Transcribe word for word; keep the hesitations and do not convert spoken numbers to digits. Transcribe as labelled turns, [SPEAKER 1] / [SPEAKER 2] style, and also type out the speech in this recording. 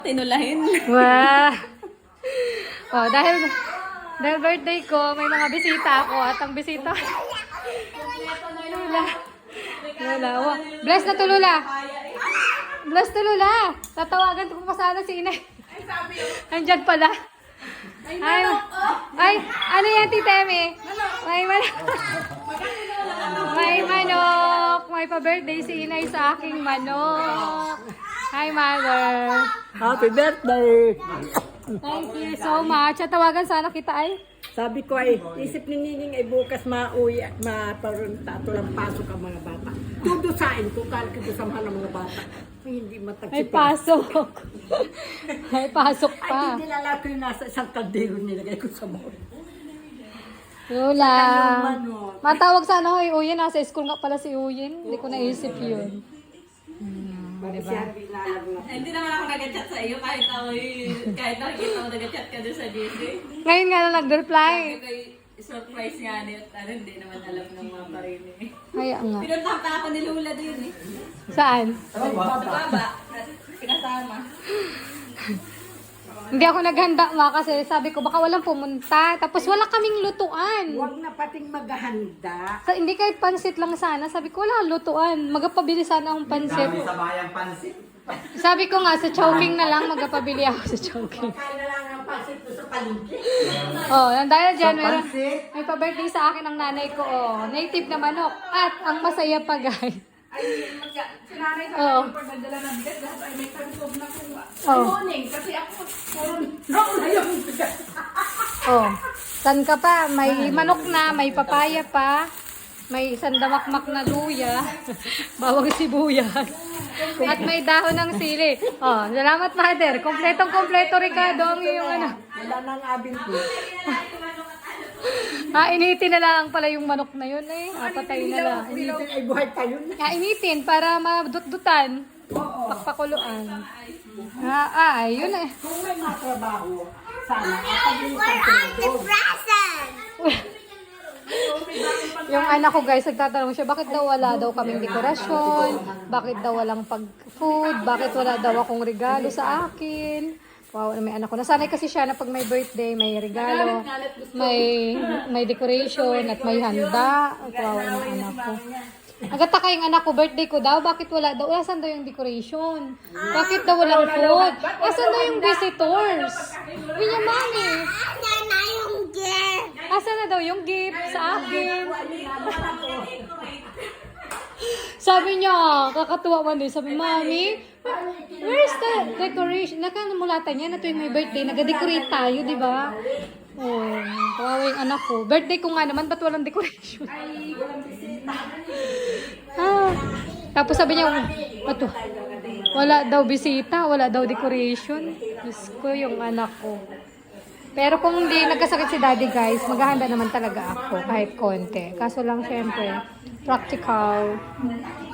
[SPEAKER 1] Tinulahin.
[SPEAKER 2] Wow! Oh, dahil, dahil birthday ko, may mga bisita ako at ang bisita... Lula. Lula. Wow. Bless na to, Lula. Bless to, Lula. Tatawagan ko pa sana si Inay. Andyan pala. Ay, ay, ano yan, Tita Eme? May manok. May manok. May pa-birthday si Inay sa aking manok. Hi, Mother.
[SPEAKER 3] Happy birthday!
[SPEAKER 2] Thank you so much. At tawagan sana kita ay.
[SPEAKER 3] Sabi ko ay, isip ni Nining ay bukas mauwi at maparunta at walang pasok ang mga bata. Tudusain ko, kala ko sa mga mga bata. Ay, hindi
[SPEAKER 2] May
[SPEAKER 3] matagsipa.
[SPEAKER 2] pasok. May pasok
[SPEAKER 3] Ay,
[SPEAKER 2] pa.
[SPEAKER 3] hindi nilala ko yung nasa isang kaldero nilagay ko sa mall.
[SPEAKER 2] Lola.
[SPEAKER 3] Yung manok.
[SPEAKER 2] Matawag sana ko yung Uyin. Nasa school nga pala si Uyin. Hindi ko naisip yun.
[SPEAKER 3] Diba?
[SPEAKER 1] Hindi naman ako nag-chat sa iyo kahit ako kahit nakikita ko nag-chat ka doon sa J C.
[SPEAKER 2] Ngayon nga na nag-reply.
[SPEAKER 1] Kay surprise nga niya at ano, hindi naman alam ng mga parin eh.
[SPEAKER 2] Kaya nga.
[SPEAKER 1] Pinunta pa ako ni Lula din eh.
[SPEAKER 2] Saan?
[SPEAKER 1] Sa baba, pinasama.
[SPEAKER 2] Hindi ako naghanda ma kasi sabi ko baka walang pumunta. Tapos wala kaming lutuan.
[SPEAKER 3] Huwag na pating maghahanda.
[SPEAKER 2] Sa, hindi kahit pansit lang sana. Sabi ko wala lutuan. Magapabili sana akong pansit.
[SPEAKER 4] Sa bayang pansit.
[SPEAKER 2] Sabi ko nga sa Chowking na lang magapabili ako sa Chowking.
[SPEAKER 3] Kaya na lang ang pasit ko sa palengke.
[SPEAKER 2] Oh, dahil dyan,
[SPEAKER 4] Sa
[SPEAKER 2] meron,
[SPEAKER 4] pansit?
[SPEAKER 2] may pa-birthday sa akin ng nanay ko. Oh, native na manok. At ang masaya pa, guys.
[SPEAKER 1] Ay, si nanay sa
[SPEAKER 2] Oo.
[SPEAKER 1] akin pagdadala ng bigas dahil ay may tansob na kuha.
[SPEAKER 2] Oh.
[SPEAKER 1] Morning, kasi ako puro nauna yung bigas.
[SPEAKER 2] Oh, san ka pa? May manok na, may papaya pa, may sandamakmak na luya, bawang sibuyas, at may dahon ng sili. Oh, salamat, Mother. Kompletong-kompleto, Ricardo, ang iyong ano.
[SPEAKER 3] Wala nang abin ko.
[SPEAKER 2] Ah, initin na lang pala yung manok na yun eh. Ah, patay na lang.
[SPEAKER 3] Initin ay buhay pa yun.
[SPEAKER 2] Ah, initin para madut-dutan. Pakpakuluan. Ah, ah, ayun eh.
[SPEAKER 3] Kung may mga trabaho, sana kapag-iitan ko na doon.
[SPEAKER 2] Yung anak ko guys, nagtatanong siya, bakit daw wala daw kaming dekorasyon? Bakit daw walang pag-food? Bakit wala daw akong regalo sa akin? Wow, may anak ko. Nasanay kasi siya na pag may birthday, may regalo, may may decoration, at may handa. Wow, yung anak ko. Agataka yung anak ko, birthday ko daw, bakit wala daw? Asan daw yung decoration? Bakit daw walang food? Asan daw yung visitors? Pinya mami. Asan na daw yung gift sa akin? Sabi niya, kakatuwa man din. Sabi, Mami, where's the decoration? Nakanamulatan niya na tuwing may birthday, nag-decorate tayo, di ba? Oh, kawawa yung anak ko. Birthday ko nga naman, ba't walang decoration? Ah, tapos sabi niya, ba't wala daw bisita, wala daw decoration. Diyos ko, yung anak ko. Pero kung hindi nagkasakit si Daddy guys, maghahanda naman talaga ako kahit konti. Kaso lang syempre, practical.